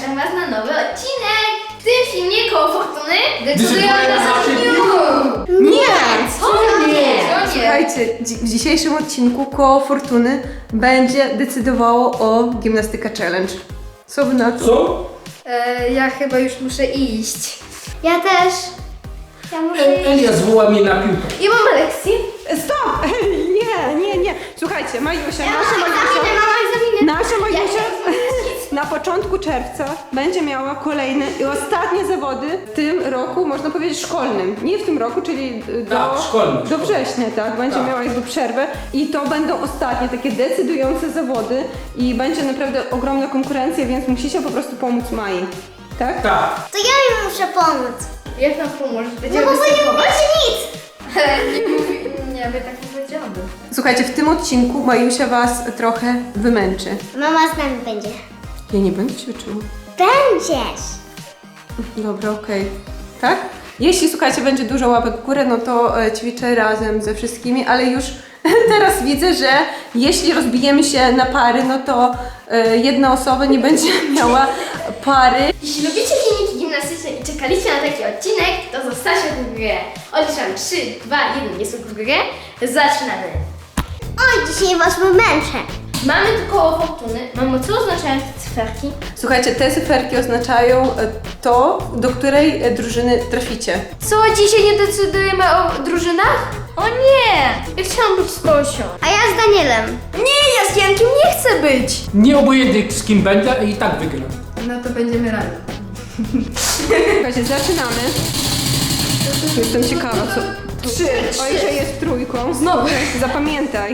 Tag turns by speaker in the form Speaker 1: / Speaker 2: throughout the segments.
Speaker 1: zapraszam Was na nowy odcinek. W tym filmie koło fortuny decydują na dniu.
Speaker 2: Nie!
Speaker 1: Co nie?
Speaker 2: Słuchajcie, w dzisiejszym odcinku koło fortuny będzie decydowało o gimnastyka challenge. Co wy na to?
Speaker 3: Co?
Speaker 1: Ja chyba już muszę iść.
Speaker 4: Ja też. Ja muszę iść.
Speaker 3: Elia zwoła mnie na piłkę.
Speaker 1: I mam lekcję.
Speaker 2: Stop! Nie. Słuchajcie, Majusia,
Speaker 4: Ja mam egzaminy.
Speaker 2: nasza Majusia na początku czerwca będzie miała kolejne i ostatnie zawody w tym roku, można powiedzieć szkolnym. Nie w tym roku, czyli
Speaker 3: szkolnym.
Speaker 2: do września, tak? Będzie
Speaker 3: Tak.
Speaker 2: miała jakby przerwę i to będą ostatnie takie decydujące zawody i będzie naprawdę ogromna konkurencja, więc musicie po prostu pomóc Mai. Tak?
Speaker 3: Tak.
Speaker 4: To ja im muszę pomóc.
Speaker 1: Jak nam pomożesz?
Speaker 4: No
Speaker 1: Będziemy
Speaker 4: bo wy nie
Speaker 1: występować?
Speaker 4: umiecie nic.
Speaker 1: Nie, by tak nie powiedziałabym.
Speaker 2: Słuchajcie, w tym odcinku Majusia was trochę wymęczy.
Speaker 4: Mama z nami będzie.
Speaker 2: Ja nie będę ćwiczyła.
Speaker 4: Będziesz.
Speaker 2: Dobra, okej. Tak? Jeśli, słuchajcie, będzie dużo łapek w górę, no to ćwiczę razem ze wszystkimi, ale już teraz widzę, że jeśli rozbijemy się na pary, no to jedna osoba nie będzie miała pary.
Speaker 1: Jeśli lubicie filmiki gimnastyczne i czekaliście na taki odcinek, to zostawcie w górę. Odliczam 3, 2, 1, jest w górę. Zaczynamy.
Speaker 4: Oj, dzisiaj was wymęczę.
Speaker 1: Mamy tu koło fortuny. Mamo, co oznaczają te cyferki?
Speaker 2: Słuchajcie, te cyferki oznaczają to, do której drużyny traficie.
Speaker 1: Co, dzisiaj nie decydujemy o drużynach? O nie! Ja chciałam być z Tosią.
Speaker 4: A ja z Danielem.
Speaker 1: Nie, ja z Jankiem nie chcę być.
Speaker 3: Nie obojętnie z kim będę i tak wygram.
Speaker 1: No to będziemy razem.
Speaker 2: Słuchajcie, zaczynamy. Jestem ciekawa, co... 3. Ojcze jest trójką.
Speaker 1: Znowu.
Speaker 2: Zapamiętaj.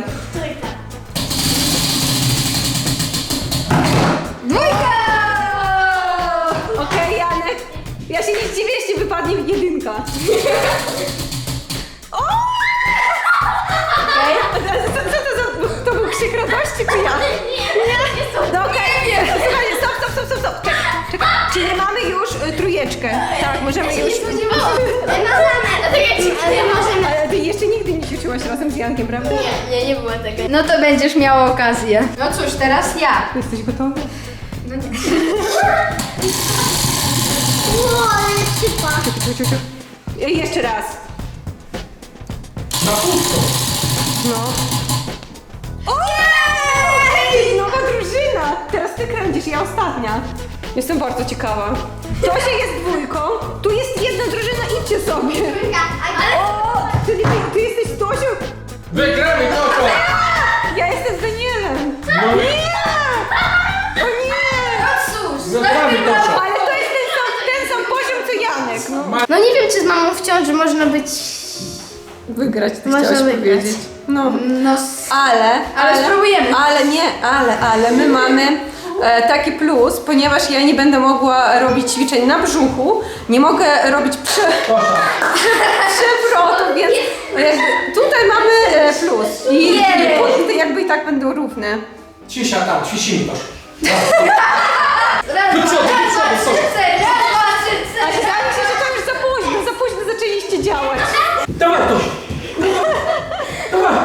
Speaker 1: Dwójka!
Speaker 2: Okej, Janek. Ja się nie zdziwię, jeśli wypadnie jedynka. O! Okej. Co to za... To był krzyk radości, czy ja?
Speaker 1: Nie.
Speaker 2: No okej. Słuchajcie, stop. Czekaj. Czyli mamy już trójeczkę. Tak, możemy już... Ale ty jeszcze nigdy nie ćwiczyłaś razem z Jankiem, prawda?
Speaker 1: Nie było tego. No to będziesz miała okazję. No cóż, teraz ja.
Speaker 2: Jesteś gotowy?
Speaker 1: No nie.
Speaker 4: Ło, ale sypa.
Speaker 2: Czekaj. Jeszcze raz.
Speaker 3: Na pusto.
Speaker 2: No. Ojej! Nowa drużyna! Teraz ty kręcisz, ja ostatnia. Jestem bardzo ciekawa. Tosia jest dwójką, tu jest jedna drużyna, idźcie sobie. O! Czyli ty jesteś Tosią?
Speaker 3: Wygramy to!
Speaker 2: Ja jestem Danielem.
Speaker 3: No,
Speaker 2: Nie! O nie!
Speaker 1: Cóż,
Speaker 3: Wygramy to!
Speaker 2: Ale to jest ten sam poziom co Janek. No.
Speaker 1: No nie wiem, czy z mamą w ciąży można być...
Speaker 2: Wygrać, ty
Speaker 1: Można
Speaker 2: chciałaś
Speaker 1: wygrać.
Speaker 2: powiedzieć. No.
Speaker 1: No, Ale spróbujemy.
Speaker 2: Ale my mamy taki plus, ponieważ ja nie będę mogła robić ćwiczeń na brzuchu, nie mogę robić przewrotów, więc jakby tutaj mamy plus i punkty jakby i tak będą równe.
Speaker 3: Cisza tam, ćwiczymy to.
Speaker 1: raz,
Speaker 3: Do
Speaker 1: dwa,
Speaker 3: przodu, do
Speaker 1: raz,
Speaker 3: przodu,
Speaker 1: dwa,
Speaker 3: sorry.
Speaker 1: trzy, cztery, raz, dwa, trzy,
Speaker 2: Ale
Speaker 1: cztery.
Speaker 2: wydaje mi się, że to już za późno zaczęliście działać.
Speaker 3: Dawaj to! Dawaj!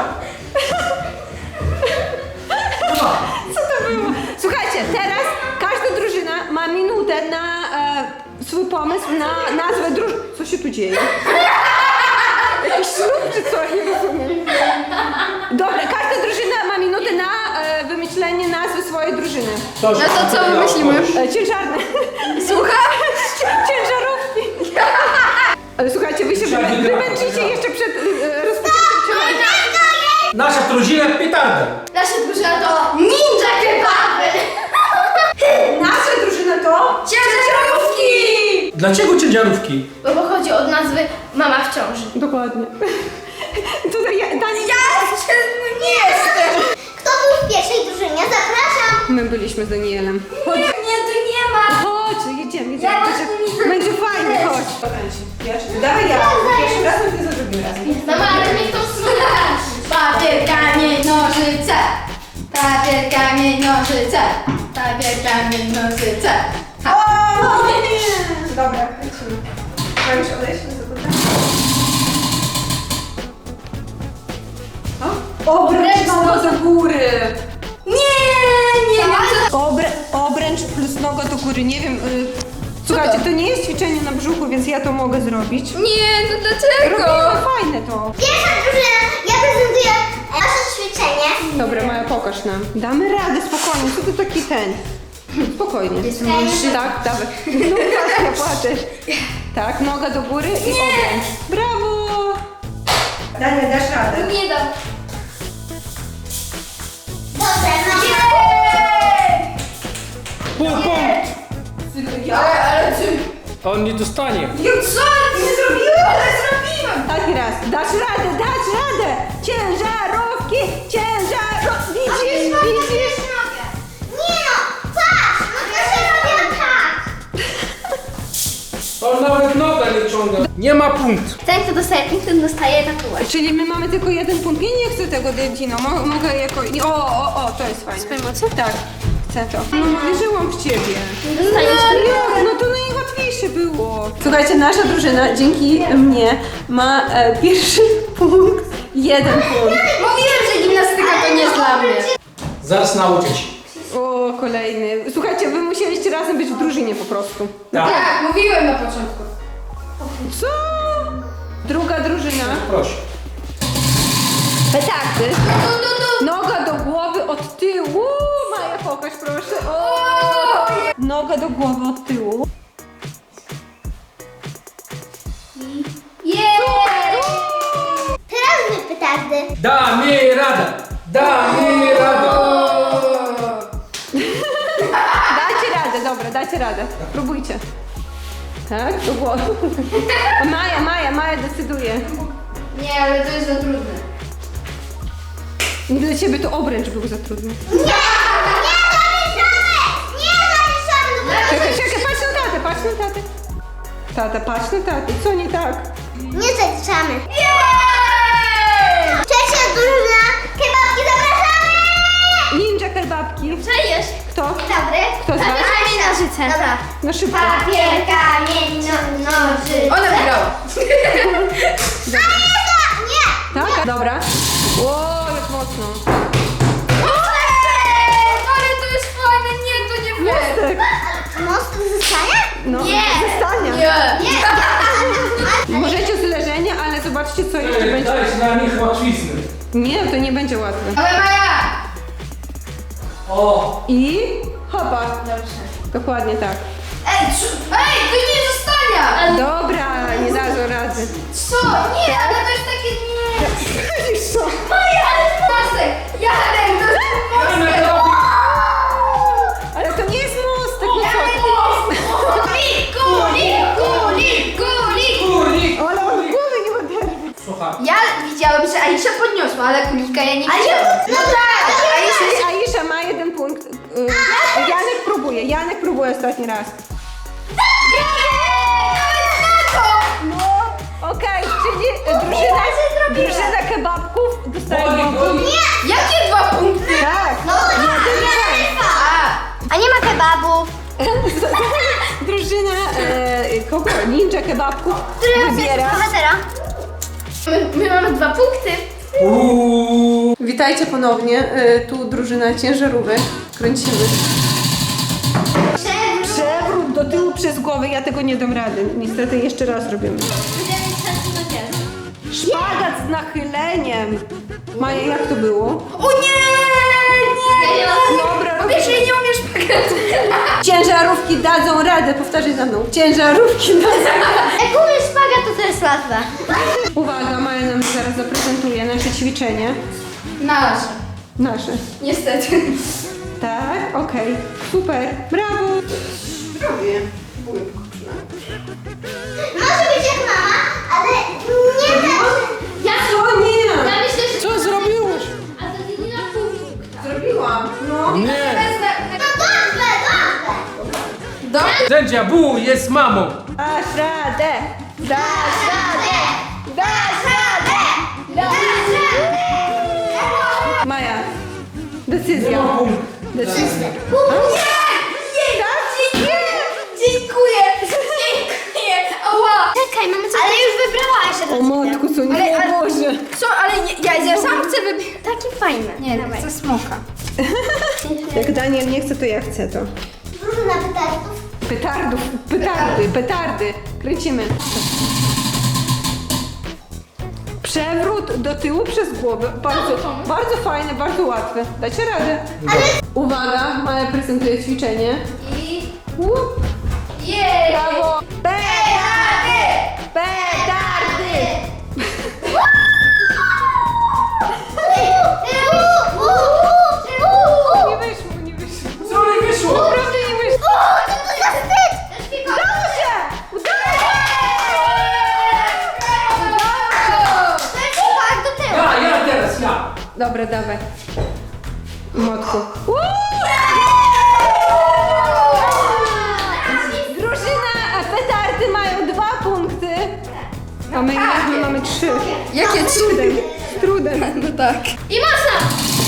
Speaker 2: Co to było? Słuchajcie, teraz każda drużyna ma minutę na swój pomysł na nazwę drużyny. Co się tu dzieje? Jakiś ślub czy co? Nie rozumiem. Dobra, każda drużyna ma minutę na wymyślenie nazwy swojej drużyny.
Speaker 1: No to co wymyślimy?
Speaker 2: Ciężarne.
Speaker 1: Słuchaj?
Speaker 2: Ciężarówki. Ale słuchajcie, wy się wymęczycie jeszcze przed rozpoczęciem challenge'u.
Speaker 3: Nasza drużyna petarda.
Speaker 1: Nasza drużyna to ninja kebaby.
Speaker 2: Nasza drużyna to...
Speaker 1: Ciężarówki!
Speaker 3: Dlaczego ciężarówki?
Speaker 1: Bo pochodzi od nazwy mama w ciąży.
Speaker 2: Dokładnie. Tutaj Dani...
Speaker 1: nie jestem!
Speaker 4: Kto był w pierwszej drużynie? Zapraszam.
Speaker 2: My byliśmy z Danielem. Chodź.
Speaker 1: Nie, tu nie ma!
Speaker 2: Chodź, jedziemy.
Speaker 1: Ja
Speaker 2: Będzie fajnie, chodź. Dawaj ja. Pierwszy raz, ty za drugim razem.
Speaker 1: Mama, ale mnie to słuchasz! Papier, kamień, nożyce! Papier, kamień, nożyce! Papier, kamień, nożyce!
Speaker 2: O nie! Dobra, lecimy. Mam już odejść do góry. Obręcz do góry!
Speaker 1: Nie, nie wiem co...
Speaker 2: Obręcz plus noga do góry. góry, nie wiem. Słuchajcie, to nie jest ćwiczenie na brzuchu, więc ja to mogę zrobić.
Speaker 1: Nie, to dlaczego?
Speaker 2: Robimy fajne to.
Speaker 4: Pierwsza drużyna, ja prezentuję nasze ćwiczenie.
Speaker 2: Dobra, Maja, pokaż nam. Damy radę, spokojnie. Co ty taki ten? Spokojnie. Tak, dawaj. No właśnie, płaczesz. Tak, noga do góry i obręcz. Brawo! Daniel, dasz radę.
Speaker 1: Nie dam.
Speaker 4: Dobrze, mamy.
Speaker 3: Punkt!
Speaker 1: Ale ty...
Speaker 3: On nie dostanie.
Speaker 1: Co? Nie zrobiłem, ale zrobiłem.
Speaker 2: Taki raz. Dasz radę! Ciężarówki! Widzisz?
Speaker 4: Nie no, patrz, no to się robią tak.
Speaker 3: On nawet noga nie ciąga. Nie ma punkt.
Speaker 4: Ten, kto dostaje tatuaż.
Speaker 2: Czyli my mamy tylko jeden punkt. Nie chcę tego Dino. Mogę jako... O, to jest fajne.
Speaker 4: Swoje mocy?
Speaker 2: Tak, chcę to. No wierzyłam w ciebie.
Speaker 4: Dostajesz
Speaker 2: No to najłatwiejsze było. Słuchajcie, nasza drużyna dzięki mnie ma pierwszy punkt, 1 punkt.
Speaker 1: Mówiłem, że gimnastyka to nie jest dla mnie.
Speaker 3: Zaraz nauczę się.
Speaker 2: O, kolejny. Słuchajcie, wy musieliście razem być w drużynie po prostu.
Speaker 3: Tak.
Speaker 1: Tak, mówiłem na początku.
Speaker 2: Co? Druga drużyna.
Speaker 3: Proszę.
Speaker 2: Petardy. Noga do głowy od tyłu. Maja, pokaż proszę. O! Noga do głowy od tyłu.
Speaker 4: Teraz my petardy.
Speaker 3: Damy radę. Damy radę.
Speaker 2: Dacie radę, dobra, dacie radę. Próbujcie. Tak, do głowy. Maja decyduje.
Speaker 1: Nie, ale to jest za trudne.
Speaker 2: Dla ciebie to obręcz był za trudny.
Speaker 4: Nie zaliczamy.
Speaker 2: Czekaj, patrz na tatę. Tata, patrz na tatę. Co nie tak?
Speaker 4: Nie zaliczamy. Trzecia drużyna, kebabki zapraszamy!
Speaker 2: Ninja kebabki.
Speaker 4: Czajesz?
Speaker 2: Kto?
Speaker 4: Dobry.
Speaker 2: Kto z was?
Speaker 4: Kamień, nożyce. Dobra.
Speaker 2: No szybko.
Speaker 4: Papier, kamień, nożyce.
Speaker 1: Ona wygrała.
Speaker 4: Nie!
Speaker 2: Tak? Dobra. O, jak mocno.
Speaker 1: Ale to jest fajne, nie, to nie fair.
Speaker 2: Mostek.
Speaker 4: Most zostanie?
Speaker 2: No,
Speaker 4: Nie.
Speaker 2: zostanie.
Speaker 1: Nie.
Speaker 2: Możecie z leżenia, ale zobaczcie, co jeszcze będzie.
Speaker 3: Dajcie na nich łatwizny.
Speaker 2: Nie, to nie będzie łatwe.
Speaker 1: Ale Maja!
Speaker 3: O!
Speaker 2: I hopa.
Speaker 1: Dobrze.
Speaker 2: Dokładnie tak.
Speaker 1: Ej, to nie zostania!
Speaker 2: Dobra, nie dadzą rady.
Speaker 1: Co? Nie, ale to jest takie nie.
Speaker 2: Widzisz co?
Speaker 1: Maja, ale mostek! Jarek, to jest mostek!
Speaker 2: Ale to nie jest mostek, no
Speaker 1: Jarek,
Speaker 2: co?
Speaker 1: Kuli!
Speaker 3: Kurnik!
Speaker 2: Ale on głowy nie oderwie.
Speaker 3: Słuchaj.
Speaker 1: Ja widziałem, że Aisha podniosła, ale kulika ja nie widziałam. No tak, Aisha
Speaker 2: Aisza ma 1 punkt. Janek próbuje ostatni raz. No, okej, czyli drużyna kebabków dostaje 2 punkty.
Speaker 1: Jakie 2 punkty?
Speaker 2: Tak,
Speaker 4: A nie ma kebabów.
Speaker 2: drużyna kogo? Ninja kebabków wybiera.
Speaker 4: Bohatera.
Speaker 1: My mamy 2 punkty.
Speaker 2: Witajcie ponownie, tu drużyna ciężarówek. Kręcimy. Przewrót do tyłu przez głowę, ja tego nie dam rady. Niestety jeszcze raz robimy. Szpagat z nachyleniem. Maja, jak to było?
Speaker 1: O nie!
Speaker 2: Dobra,
Speaker 1: Po pierwsze, ja nie umiem szpagatu.
Speaker 2: Ciężarówki dadzą radę, powtarzaj za mną. Ciężarówki dadzą radę.
Speaker 4: Jak umiesz szpagat, to jest łatwe.
Speaker 2: Uwaga, Maja nam zaraz zaprezentuje nasze ćwiczenie.
Speaker 1: Nasze.
Speaker 2: Nasze.
Speaker 1: Niestety.
Speaker 2: Tak, okej. Super, brawo. Zdrowie.
Speaker 4: Może być jak mama, ale nie tak.
Speaker 2: Co nie?
Speaker 4: Ja myślę, że...
Speaker 3: Co zrobiłeś?
Speaker 4: A to ty nie na pół punkta.
Speaker 2: Zrobiłam. No.
Speaker 3: Nie!
Speaker 4: No dobrze.
Speaker 1: Dobrze.
Speaker 3: Sędzia Bu jest mamą.
Speaker 2: Dasz radę. Dasz radę. Dasz radę. Maja, decyzja. Decyzja.
Speaker 1: Dziękuję. Ała.
Speaker 4: Czekaj, mamy coś... Ale już wybrałaś.
Speaker 2: O matku, co nie
Speaker 1: Ale-
Speaker 2: Boże.
Speaker 1: Co, ale ja sam chcę wybierać.
Speaker 4: Takie fajne.
Speaker 1: Nie, chcę smoka.
Speaker 2: Jak Daniel nie chce, to ja chcę to.
Speaker 4: Drużyna petardów.
Speaker 2: Petardy. Kręcimy. Przewrót do tyłu przez głowę. Bardzo fajne, bardzo łatwe. Dacie radę. Uwaga, Maja prezentuje ćwiczenie.
Speaker 1: I...
Speaker 2: Łup.
Speaker 1: Jej!
Speaker 2: Brawo!
Speaker 1: Petardy!
Speaker 2: Petardy! Nie wyszło.
Speaker 3: Co nie wyszło?
Speaker 2: Naprawdę nie wyszło.
Speaker 4: Co to za wstyd?
Speaker 2: Udało się! Udało się!
Speaker 4: To jest tak do tyłu.
Speaker 3: Ja teraz, ja.
Speaker 2: Dobra, dawaj. Młotku. Drużyna petardy mają 2 punkty. A my mamy 3.
Speaker 1: Jakie
Speaker 2: Z trudem.
Speaker 1: No tak.
Speaker 4: I mocno.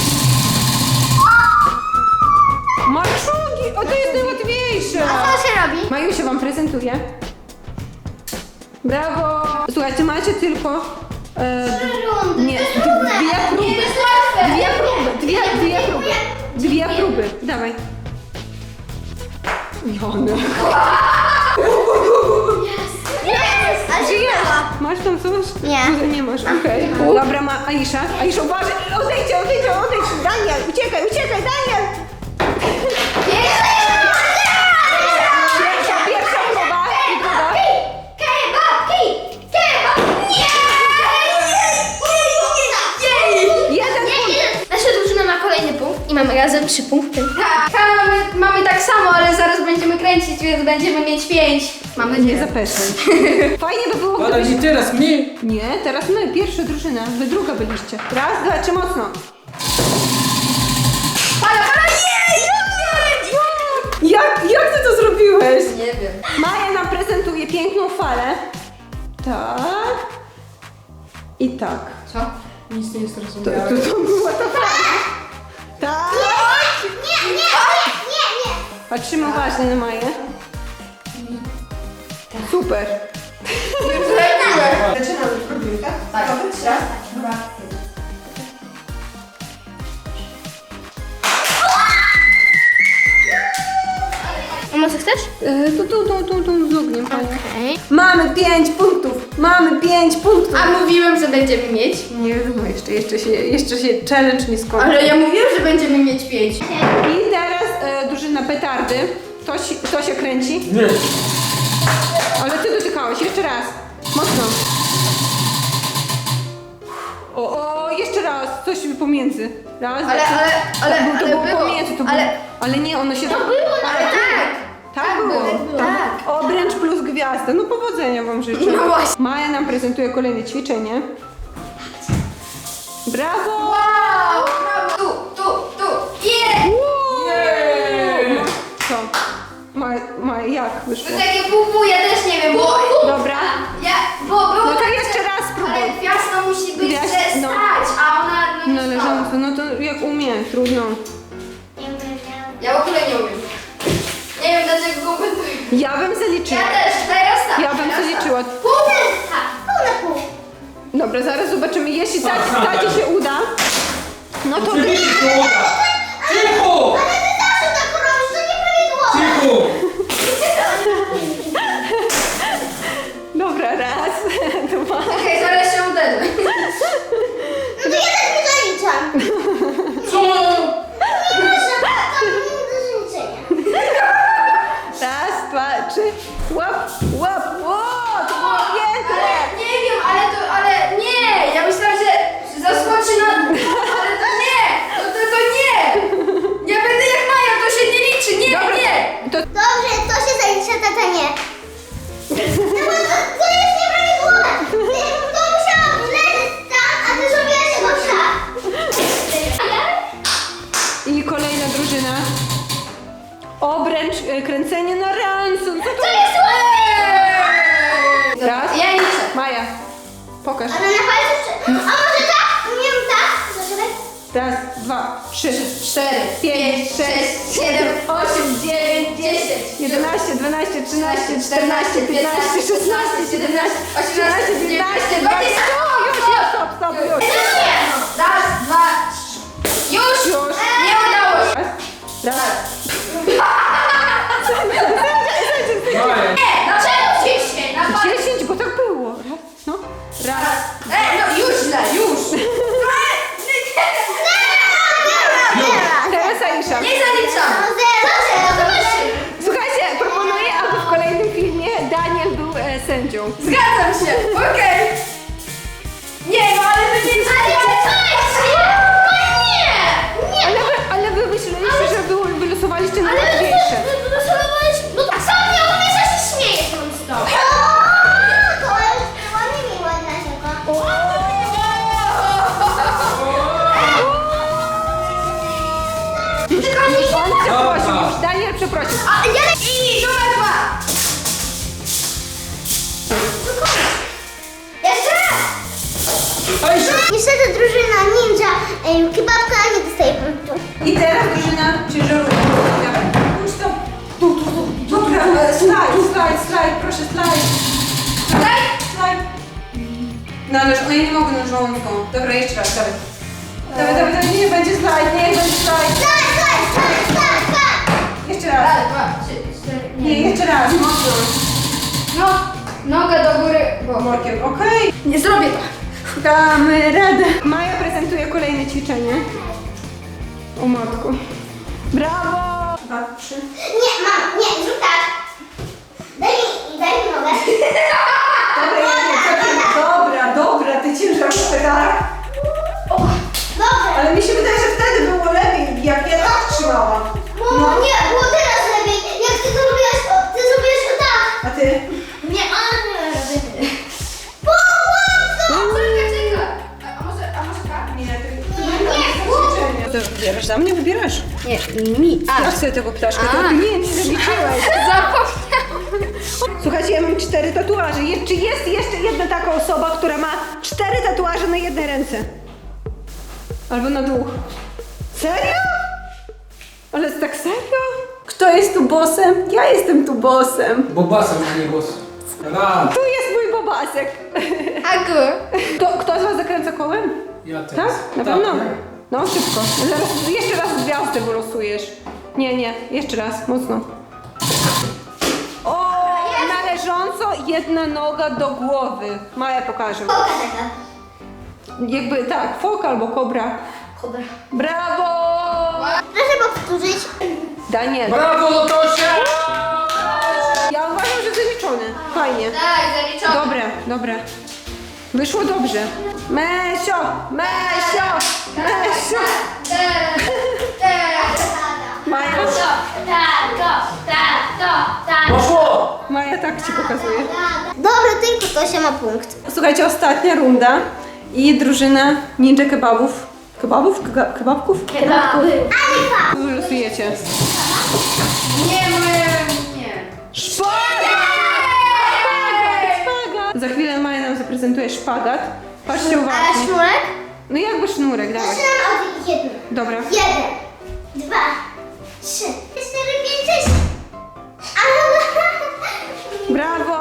Speaker 2: Maczugi! O, to jest najłatwiejsze.
Speaker 4: A co się robi?
Speaker 2: Majusia wam prezentuje. Brawo! Słuchajcie, macie tylko...
Speaker 4: rundy.
Speaker 2: nie,
Speaker 4: To jest trudne.
Speaker 2: dwie próby.
Speaker 1: Nie, to jest łatwe.
Speaker 2: Dwie próby. Dawaj. Jony.
Speaker 4: Ale się
Speaker 2: Żyjesz?
Speaker 4: udało.
Speaker 2: Masz tam coś?
Speaker 4: Nie.
Speaker 2: Nie masz, okej. Dobra, Aisza. Aisza, uważaj! Odejdź! Daniel, uciekaj, Daniel! Pierwsza próba i druga.
Speaker 4: Kebab! Nie!
Speaker 2: Jeden punkt.
Speaker 4: Nasza drużyna ma kolejny punkt i mamy razem 3 punkty.
Speaker 1: Tak, mamy tak samo, ale zaraz będziemy kręcić, więc będziemy mieć 5. Mam
Speaker 2: Nie
Speaker 1: nadzieję.
Speaker 2: zapeszaj. Fajnie by było,
Speaker 3: Ale
Speaker 2: gdybyś...
Speaker 3: nie teraz mi.
Speaker 2: Nie, teraz my, pierwsza drużyna. Wy druga byliście. Raz, dwa, trzy, mocno. Jak ty to zrobiłeś?
Speaker 1: Nie wiem.
Speaker 2: Maja nam prezentuje piękną falę. Tak. I tak.
Speaker 1: Co?
Speaker 3: Nic nie
Speaker 2: To
Speaker 3: zrozumiałem.
Speaker 2: była ta fala. Tak.
Speaker 4: Nie!
Speaker 2: Patrzymy uważnie na Maję. Super.
Speaker 1: Zaczynamy. Tak, raz, dwa.
Speaker 4: A może chcesz?
Speaker 2: Tu z ogniem, Pani.
Speaker 4: Okej.
Speaker 2: Mamy 5 punktów.
Speaker 1: A mówiłem, że będziemy mieć.
Speaker 2: Nie wiadomo jeszcze się challenge nie skończy.
Speaker 1: Ale ja mówiłem, że będziemy mieć 5.
Speaker 2: I teraz drużyna petardy. To się kręci.
Speaker 3: Nie.
Speaker 2: Ale ty dotykałeś. Jeszcze raz. Mocno. O, jeszcze raz. Coś pomiędzy. Raz, to było pomiędzy. Ale nie, ono się...
Speaker 4: To było
Speaker 1: Ale tak.
Speaker 2: Tak było.
Speaker 1: Tak.
Speaker 2: Obręcz plus gwiazda. No powodzenia wam życzę.
Speaker 1: No właśnie.
Speaker 2: Maja nam prezentuje kolejne ćwiczenie. Brawo!
Speaker 1: Wow! Tu. Jej!
Speaker 3: Jej!
Speaker 2: Co? Maja, jak wyszło?
Speaker 1: To takie pół, ja też nie wiem, bo...
Speaker 2: Dobra.
Speaker 1: Bo było
Speaker 2: No to
Speaker 1: tak,
Speaker 2: jeszcze
Speaker 1: że-
Speaker 2: raz spróbuj.
Speaker 1: Ale gwiazda musi być
Speaker 2: Gwiazd-
Speaker 1: stać,
Speaker 2: no.
Speaker 1: a ona no, nie stała.
Speaker 2: Należąco. No to jak umie. Trudno.
Speaker 1: Ja w ogóle nie umiem. Nie wiem dlaczego go komentuję.
Speaker 2: Ja bym zaliczyła.
Speaker 1: Ja też, teraz tak.
Speaker 2: Ja bym
Speaker 1: teraz
Speaker 2: zaliczyła.
Speaker 4: Pół na pół.
Speaker 2: Dobra, zaraz zobaczymy. Jeśli tacie się uda, no to
Speaker 3: Oczywiście się uda. Cicho!
Speaker 4: Ale ty zawsze tak robisz, to nieprawidłowo.
Speaker 3: Cicho!
Speaker 2: dobra, raz, dwa.
Speaker 1: Okej, zaraz się uderzę.
Speaker 4: No to ja też nie zaliczam.
Speaker 3: Co?
Speaker 4: To nie do zaliczenia.
Speaker 2: Raz, dwa, trzy. Łap. Ło, to było piękne.
Speaker 1: Ale nie wiem, ale nie. Ja myślałam, że zaskoczy na... Ale to nie. To nie. Ja będę jak Maja, to się nie liczy. Nie,
Speaker 2: Dobra.
Speaker 1: nie.
Speaker 2: To
Speaker 4: Dobrze, to się zalicza, tata nie. No bo to jest nieprawidłowe. To musiało leżeć tam, a ty zrobiłaś go tak.
Speaker 2: i kolejna drużyna. Obręcz, kręcenie na ransom. Co to
Speaker 4: To jest ładne.
Speaker 2: Raz.
Speaker 1: Ja liczę.
Speaker 2: Maja, pokaż.
Speaker 4: Ale na palcu... A może tak? Umiem tak? Zaczekaj.
Speaker 2: Raz, dwa, trzy,
Speaker 1: 4, 5, 6, 7, 8, 9, 10,
Speaker 2: 11, 12, 13, 14, 15, 16, 17, 18, 19, 20. Już, stop, już.
Speaker 1: Raz, dwa, trzy. Już!
Speaker 2: Już.
Speaker 1: Nie udało się.
Speaker 2: Raz.
Speaker 4: A ja...
Speaker 1: I numer 2.
Speaker 4: Jeszcze raz!
Speaker 3: Aisha!
Speaker 4: Niestety drużyna ninja kebabka nie dostaje punktu.
Speaker 2: I teraz drużyna ciężarówek. Pójdź to. Tu. Dobra, slajd, proszę, slajd. Slajd. No ależ one nie mogą na żołądką. Dobra, jeszcze raz, dawaj. Dawaj, niech będzie slajd.
Speaker 4: Tak!
Speaker 2: Jeszcze raz.
Speaker 1: Raz, 2, 3, 4.
Speaker 2: Nie, jeszcze raz, mocno.
Speaker 1: No, nogę do góry. Bo...
Speaker 2: Workiem, okej.
Speaker 1: Nie zrobię to.
Speaker 2: Damy radę. Maja prezentuje kolejne ćwiczenie. O matko. Brawo! 2, 3.
Speaker 4: Nie, mam, nie, zrób tak. Daj mi nogę.
Speaker 2: Dobra, ty ciężarówkę, tak?
Speaker 4: Dobrze.
Speaker 2: Ale mi się wydaje, że wtedy było lepiej, jak ja tak trzymałam.
Speaker 4: Nie, było teraz lepiej. Jak ty to robiłaś, ty zrobiłaś to tak.
Speaker 2: A ty?
Speaker 4: Nie, ale nie robię.
Speaker 1: A może tak?
Speaker 2: Nie,
Speaker 4: Nie,
Speaker 2: to wybierasz za mnie, wybierasz.
Speaker 1: Nie, mi.
Speaker 2: Ja chcę tego ptaszka, to
Speaker 1: A.
Speaker 2: ty nie zaliczyłeś.
Speaker 1: Zapomniałam.
Speaker 2: Słuchajcie, ja mam 4 tatuaże. Czy jest jeszcze jedna taka osoba, która ma 4 tatuaże na jednej ręce? Albo na 2. Serio? Ale tak serio? Kto jest tu bossem? Ja jestem tu bossem.
Speaker 3: Bobasem, a nie głos. Raz.
Speaker 2: Tu jest mój bobasek.
Speaker 1: Agu.
Speaker 2: Kto z was zakręca kołem?
Speaker 3: Ja teraz.
Speaker 2: Tak? Na pewno? No, szybko. Zaraz jeszcze raz gwiazdę wylosujesz. Nie, jeszcze raz, mocno. O, należąco jedna noga do głowy. Maja pokaże.
Speaker 4: Foka taka.
Speaker 2: Jakby tak, fok albo kobra.
Speaker 4: Dobra.
Speaker 2: Brawo!
Speaker 4: Proszę powtórzyć.
Speaker 2: Daniel.
Speaker 3: Brawo, Tosia!
Speaker 2: Ja uważam, że zaliczone. Fajnie.
Speaker 1: Tak, zaliczone.
Speaker 2: Dobra. Wyszło dobrze. Mesio! Maja,
Speaker 3: Poszło!
Speaker 2: Maja tak ci pokazuje.
Speaker 4: Dobra, tylko Tosia ma punkt.
Speaker 2: Słuchajcie, ostatnia runda i drużyna ninja kebabów. Kebabków? Wylosujecie.
Speaker 1: Nie, nie.
Speaker 2: Szpagat! Za chwilę Maja nam zaprezentuje szpagat. Patrzcie
Speaker 4: A
Speaker 2: uważnie.
Speaker 4: sznurek?
Speaker 2: No jakby sznurek, dawaj.
Speaker 4: Zaczynam od 1.
Speaker 2: Dobra.
Speaker 4: 1, 2, 3, 4, 5, 6.
Speaker 2: Brawo!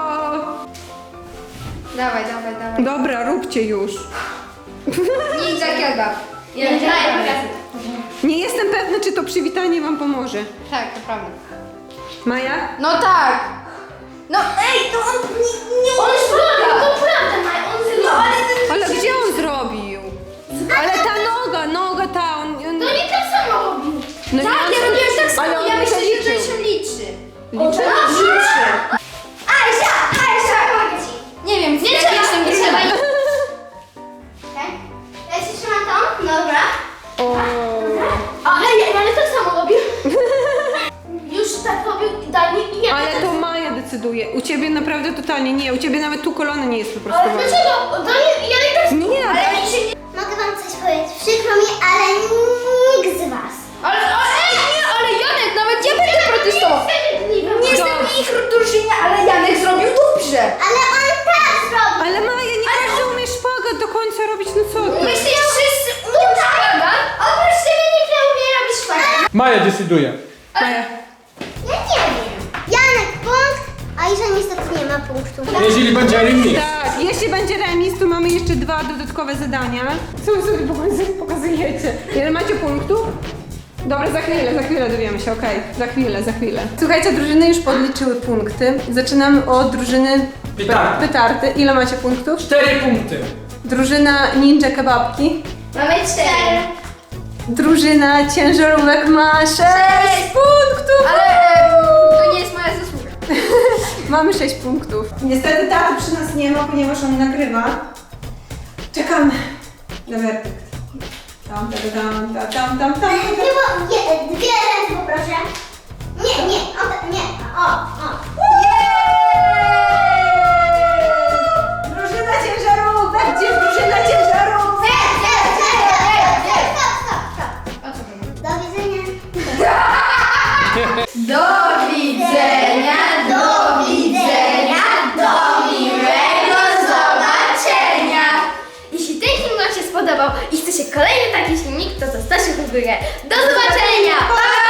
Speaker 1: Dawaj.
Speaker 2: Dobra, róbcie już.
Speaker 1: Ninja kebab.
Speaker 2: Nie jestem pewna, czy to przywitanie wam pomoże.
Speaker 1: Tak, to prawda.
Speaker 2: Maja?
Speaker 1: No tak. No ej, to on nie on zrobił, to prawda, Maja, on zrobił. No ale ten...
Speaker 2: Ale gdzie on zrobił? Ale ta noga, ta, on...
Speaker 1: No nie tak samo robił.
Speaker 2: No
Speaker 1: Tak,
Speaker 2: nie,
Speaker 1: ja
Speaker 2: on
Speaker 1: robiłem
Speaker 2: liczył.
Speaker 1: tak samo,
Speaker 2: Ale on
Speaker 1: ja
Speaker 2: nie
Speaker 1: myślę, że to
Speaker 2: liczył.
Speaker 1: się liczy.
Speaker 2: Liczy?
Speaker 1: Liczy.
Speaker 4: Aisha, pomogę ci.
Speaker 1: Nie wiem,
Speaker 4: Nie
Speaker 1: jak
Speaker 4: trzeba,
Speaker 1: jestem
Speaker 4: nie
Speaker 1: drużyną.
Speaker 4: trzeba. Okej? Ja ci trzymam tą, dobra.
Speaker 2: O.
Speaker 4: Ale tak samo robił. Już tak robił Dani i ja.
Speaker 2: Ale to Maja decyduje. U ciebie naprawdę totalnie nie. U ciebie nawet tu kolana nie jest
Speaker 4: Ale
Speaker 2: wyprostowana.
Speaker 4: dlaczego? Dani, ja i tak...
Speaker 2: Nie,
Speaker 1: Ale mi się nie...
Speaker 4: Mogę wam coś powiedzieć. Przykro mi, ale nikt z was.
Speaker 1: Ale nie, ale Janek, nawet ja będę protestował. Nie jestem w ich drużynie, ale Janek zrobił dobrze.
Speaker 4: Ale on tak zrobił.
Speaker 2: ale Maja, nie każdy umie szpagat do końca robić, no co ty?
Speaker 1: Myślisz, że wszyscy umieją szpagat?
Speaker 4: Oprócz ciebie nikt nie umie robić szpagat.
Speaker 3: Maja decyduje.
Speaker 2: Maja.
Speaker 4: Ja nie wiem. Janek punkt, a Isza niestety nie ma punktu.
Speaker 3: Jeżeli będzie remis.
Speaker 2: Tak, jeśli będzie remis, to mamy jeszcze 2 dodatkowe zadania. Co wy sobie pokazujecie? Ile macie punktów? Dobra, za chwilę dowiemy się, okej. Za chwilę. Słuchajcie, drużyny już podliczyły punkty. Zaczynamy od drużyny
Speaker 3: Petardy.
Speaker 2: Petardy. Ile macie punktów?
Speaker 3: 4 punkty.
Speaker 2: Drużyna ninja kebabki.
Speaker 1: Mamy 4.
Speaker 2: Drużyna ciężarówek ma 6 punktów!
Speaker 1: Ale to nie jest moja zasługa.
Speaker 2: Mamy 6 punktów. Niestety taty przy nas nie ma, ponieważ on nagrywa. Czekamy na werdykt. Tam.
Speaker 4: Nie, bo dwie ręce poproszę. Nie, nie. O.
Speaker 2: Drużyna ciężarówek! Gdzie drużyna ciężarówek?
Speaker 4: Stop. Do widzenia.
Speaker 1: Do
Speaker 4: chcecie kolejny taki filmik, to zostawcie w górę. Do zobaczenia! Pa!